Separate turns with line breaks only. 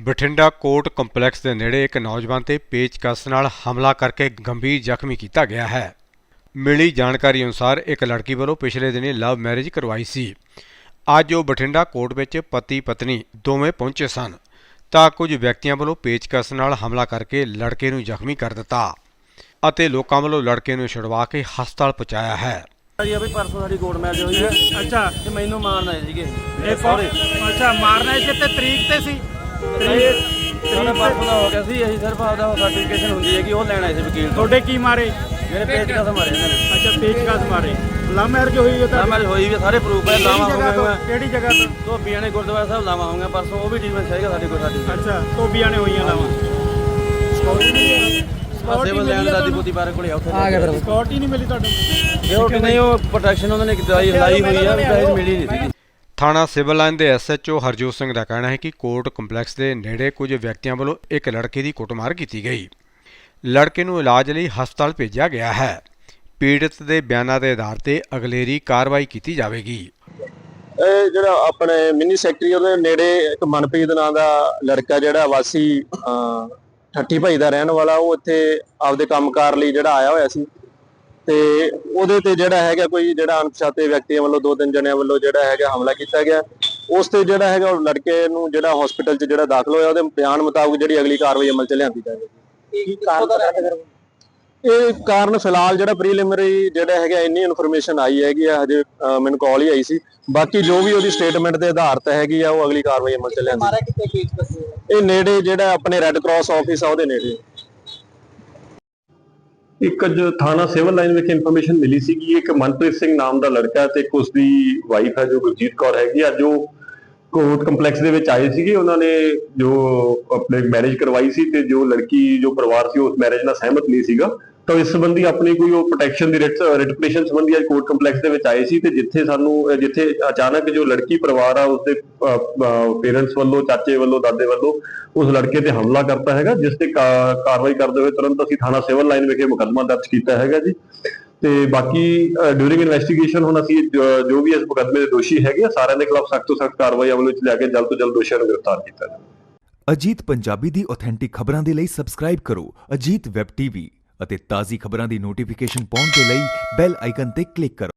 Bathinda court complex ਦੇ ਨੇੜੇ ਇੱਕ ਨੌਜਵਾਨ ਤੇ ਪੇਚਕਸ ਨਾਲ ਹਮਲਾ ਕਰਕੇ ਗੰਭੀਰ ਜ਼ਖਮੀ ਕੀਤਾ ਗਿਆ ਹੈ। ਮਿਲੀ ਜਾਣਕਾਰੀ ਅਨੁਸਾਰ ਇੱਕ ਲੜਕੀ ਵੱਲੋਂ ਪਿਛਲੇ ਦਿਨੀ ਲਵ ਮੈਰਿਜ ਕਰਵਾਈ ਸੀ। ਅੱਜ ਉਹ ਬਠਿੰਡਾ ਕੋਰਟ ਵਿੱਚ ਪਤੀ ਪਤਨੀ ਦੋਵੇਂ ਪਹੁੰਚੇ ਸਨ ਤਾਂ ਕੁਝ ਵਿਅਕਤੀਆਂ ਵੱਲੋਂ ਪੇਚਕਸ ਨਾਲ ਹਮਲਾ ਕਰਕੇ ਲੜਕੇ ਨੂੰ ਜ਼ਖਮੀ ਕਰ ਦਿੱਤਾ ਅਤੇ ਲੋਕਾਂ ਵੱਲੋਂ ਲੜਕੇ ਨੂੰ ਛੁਡਵਾ ਕੇ ਹਸਪਤਾਲ ਪਹੁੰਚਾਇਆ ਹੈ।
ਜੀ ਅਭੀ ਪਰਸੋਂ ਸਾਡੀ ਕੋਰਟ ਮੈਰਿਜ ਹੋਈ ਹੈ।
ਅੱਛਾ
ਤੇ ਮੈਨੂੰ ਮਾਰਨ ਆਏ ਸੀਗੇ
ਇਹ
ਸਹੁਰੇ।
ਅੱਛਾ ਮਾਰਨਾ ਇਸ ਤੇ ਤਰੀਕ ਤੇ ਸੀ
ਸਾਡਾ ਪਰਸੋਂ ਦਾ ਹੋ ਗਿਆ ਸੀ। ਅਸੀਂ ਸਿਰਫ ਆਪਦਾ ਸਰਟੀਫਿਕੇਸ਼ਨ ਹੁੰਦੀ ਹੈ ਕਿ ਉਹ ਲੈਣ ਆਏ ਸੀ ਵਕੀਲ ਤੋਂ।
ਤੁਹਾਡੇ ਕੀ ਮਾਰੇ?
ਮੇਰੇ ਪੇਚਕਸ ਮਾਰੇ ਇਹਨਾਂ ਨੇ।
ਅੱਛਾ ਪੇਚਕਸ ਮਾਰੇ। ਲਵ ਮੈਰਿਜ ਹੋਈ ਹੈ
ਤਾਂ ਮੈਰਿਜ ਹੋਈ ਵੀ ਸਾਰੇ ਪ੍ਰੂਫ ਹੈ। ਲਾਵਾਂ ਹੋ ਗਈਆਂ।
ਕਿਹੜੀ ਜਗ੍ਹਾ ਤੋਂ?
ਧੋਬੀਆਂ ਨੇ ਗੁਰਦੁਆਰਾ ਸਾਹਿਬ ਲਾਵਾਂ ਹੋਈਆਂ ਪਰਸੋਂ। ਉਹ ਵੀ ਟ੍ਰੀਟਮੈਂਟ ਚਾਹੀਦਾ ਸਾਡੇ ਕੋਲ ਸਾਡੀ।
ਅੱਛਾ ਧੋਬੀਆਂ ਨੇ ਹੋਈਆਂ ਲਾਵਾਂ।
ਸਿਵਲ ਲੈਣ ਦਾਦੀ ਬੋਦੀ ਬਾਰੇ ਕੋਲੇ ਉੱਥੇ
ਆ ਗਿਆ ਫਿਰ ਸਿਕਿਉਰਿਟੀ ਨਹੀਂ ਮਿਲੀ ਤੁਹਾਨੂੰ?
ਸਿਕਿਉਰਿਟੀ ਨਹੀਂ, ਉਹ ਪ੍ਰੋਟੈਕਸ਼ਨ ਉਹਨਾਂ ਨੇ ਲਾਈ ਹੋਈ ਆ, ਪ੍ਰਾਈਜ਼ ਮਿਲੀ ਨਹੀਂ ਸੀ।
ਥਾਣਾ ਸਿਵਲ ਲਾਈਨ ਦੇ SHO ਹਰਜੋਤ ਸਿੰਘ ਦਾ ਕਹਿਣਾ ਹੈ ਕਿ ਕੋਰਟ ਕੰਪਲੈਕਸ ਦੇ ਨੇੜੇ ਕੁਝ ਵਿਅਕਤੀਆਂ ਵੱਲੋਂ ਇੱਕ ਲੜਕੇ ਦੀ ਕੁੱਟਮਾਰ ਕੀਤੀ ਗਈ। ਲੜਕੇ ਨੂੰ ਇਲਾਜ ਲਈ ਹਸਪਤਾਲ ਭੇਜਿਆ ਗਿਆ ਹੈ। ਪੀੜਤ ਦੇ ਬਿਆਨਾਂ ਦੇ ਆਧਾਰ ਤੇ ਅਗਲੇਰੀ ਕਾਰਵਾਈ ਕੀਤੀ ਜਾਵੇਗੀ।
ਇਹ ਜਿਹੜਾ ਆਪਣੇ ਮਿੰਨੀ ਸੈਕਟਰੀ ਉਹਦੇ ਨੇੜੇ ਇੱਕ ਮਨਪ੍ਰੀਤ ਨਾਂ ਦਾ ਲੜਕਾ ਜਿਹੜਾ ਵਾਸੀ ਠੱਠੀ ਭਾਈ ਦਾ ਰਹਿਣ ਵਾਲਾ, ਉਹ ਇੱਥੇ ਆਪਦੇ ਕੰਮਕਾਰ ਲਈ ਜਿਹੜਾ ਆਇਆ ਹੋਇਆ ਸੀ ਤੇ ਉਹਦੇ ਤੇ ਜਿਹੜਾ ਹੈਗਾ ਕੋਈ ਜਿਹੜਾ ਅਣਪਛਾਤੇ ਵਿਅਕਤੀਆਂ ਵੱਲੋਂ 2-3 ਜਣਿਆਂ ਵੱਲੋਂ ਜਿਹੜਾ ਹੈਗਾ ਹਮਲਾ ਕੀਤਾ ਗਿਆ। ਉਸ ਤੇ ਜਿਹੜਾ ਹੈਗਾ ਉਹ ਲੜਕੇ ਨੂੰ ਜਿਹੜਾ ਹਸਪੀਟਲ 'ਚ ਜਿਹੜਾ ਦਾਖਲ ਹੋਇਆ, ਉਹਦੇ ਬਿਆਨ ਮੁਤਾਬਕ ਜਿਹੜੀ ਅਗਲੀ ਕਾਰਵਾਈ ਅਮਲ 'ਚ ਲਿਆਂਦੀ ਜਾਵੇਗੀ। ਇਹ ਕਾਰਨ ਫਿਲਹਾਲ ਜਿਹੜਾ ਪ੍ਰੀਲਿਮਿਨਰੀ ਜਿਹੜਾ ਹੈਗਾ ਇੰਨੀ ਇਨਫੋਰਮੇਸ਼ਨ ਆਈ ਹੈਗੀ ਆ, ਹਜੇ ਮੈਨੂੰ ਕਾਲ ਹੀ ਆਈ ਸੀ। ਬਾਕੀ ਜੋ ਵੀ ਉਹਦੀ ਸਟੇਟਮੈਂਟ ਦੇ ਆਧਾਰ ਤੇ ਹੈਗੀ ਆ, ਉਹ ਅਗਲੀ ਕਾਰਵਾਈ ਅਮਲ 'ਚ ਲਿਆਂਦੀ। ਇਹ ਨੇੜੇ ਜਿਹੜਾ ਆਪਣੇ ਰੈੱਡ ਕਰਾਸ ਆਫਿਸ ਆ ਉਹਦੇ ਨੇੜੇ।
ਇੱਕ ਅੱਜ ਥਾਣਾ ਸਿਵਲ ਲਾਈਨ ਵਿਖੇ ਇਨਫੋਰਮੇਸ਼ਨ ਮਿਲੀ ਸੀ ਕਿ ਇੱਕ ਮਨਪ੍ਰੀਤ ਸਿੰਘ ਨਾਮ ਦਾ ਲੜਕਾ ਤੇ ਇੱਕ ਉਸਦੀ ਵਾਈਫ ਹੈ ਜੋ ਗੁਰਜੀਤ ਕੌਰ ਹੈਗੀ। ਅੱਜ ਉਹ ਕੋਰਟ ਕੰਪਲੈਕਸ ਦੇ ਵਿੱਚ ਆਏ ਸੀਗੇ। ਉਹਨਾਂ ਨੇ ਜੋ ਆਪਣੇ ਮੈਰਿਜ ਕਰਵਾਈ ਸੀ ਤੇ ਜੋ ਲੜਕੀ ਜੋ ਪਰਿਵਾਰ ਸੀ ਉਸ ਮੈਰਿਜ ਨਾਲ ਸਹਿਮਤ ਨਹੀਂ ਸੀਗਾ, ਤਾਂ ਇਸ ਸੰਬੰਧੀ ਆਪਣੀ ਕੋਈ ਉਹ ਪ੍ਰੋਟੈਕਸ਼ਨ ਦੀ ਰਿਟ ਪਟੀਸ਼ਨ ਸੰਬੰਧੀ ਅੱਜ ਕੋਰਟ ਕੰਪਲੈਕਸ ਦੇ ਵਿੱਚ ਆਏ ਸੀ। ਤੇ ਜਿੱਥੇ ਅਚਾਨਕ ਜੋ ਲੜਕੀ ਪਰਿਵਾਰ ਆ ਉਸਦੇ ਪੇਰੈਂਟਸ ਵੱਲੋਂ, ਚਾਚੇ ਵੱਲੋਂ, ਦਾਦੇ ਵੱਲੋਂ ਉਸ ਲੜਕੇ ਤੇ ਹਮਲਾ ਕਰਤਾ ਹੈਗਾ, ਜਿਸ ਤੇ ਕਾਰਵਾਈ ਕਰਦੇ ਹੋਏ ਤੁਰੰਤ ਅਸੀਂ ਥਾਣਾ ਸਿਵਲ ਲਾਈਨ ਵਿਖੇ ਮੁਕੱਦਮਾ ਦਰਜ ਕੀਤਾ ਹੈਗਾ ਜੀ। ਤੇ ਬਾਕੀ ਡਿਊਰਿੰਗ ਇਨਵੈਸਟੀਗੇਸ਼ਨ ਹੁਣ ਅਸੀਂ ਜੋ ਵੀ ਇਸ ਮੁਕੱਦਮੇ ਦੇ ਦੋਸ਼ੀ ਹੈਗੇ ਸਾਰਿਆਂ ਦੇ ਖਿਲਾਫ ਸਖਤ ਤੋਂ ਸਖਤ ਕਾਰਵਾਈ ਅਮਲ ਵਿੱਚ ਲਿਆ ਕੇ ਜਲਦ ਤੋਂ ਜਲਦ ਦੋਸ਼ੀਆਂ ਨੂੰ ਗ੍ਰਿਫਤਾਰ ਕੀਤਾ ਜਾਵੇ।
ਅਜੀਤ ਪੰਜਾਬੀ ਦੀ ਆਥੈਂਟਿਕ ਖਬਰਾਂ ਦੇ ਲਈ ਸਬਸਕ੍ਰਾਈਬ ਕਰੋ ਅਜੀਤ ਵੈਬ TV ਅਤੇ ਤਾਜ਼ੀ ਖਬਰਾਂ ਦੀ ਨੋਟੀਫਿਕੇਸ਼ਨ ਪਾਉਣ ਦੇ ਲਈ ਬੈਲ ਆਈਕਨ ਤੇ ਕਲਿੱਕ ਕਰੋ।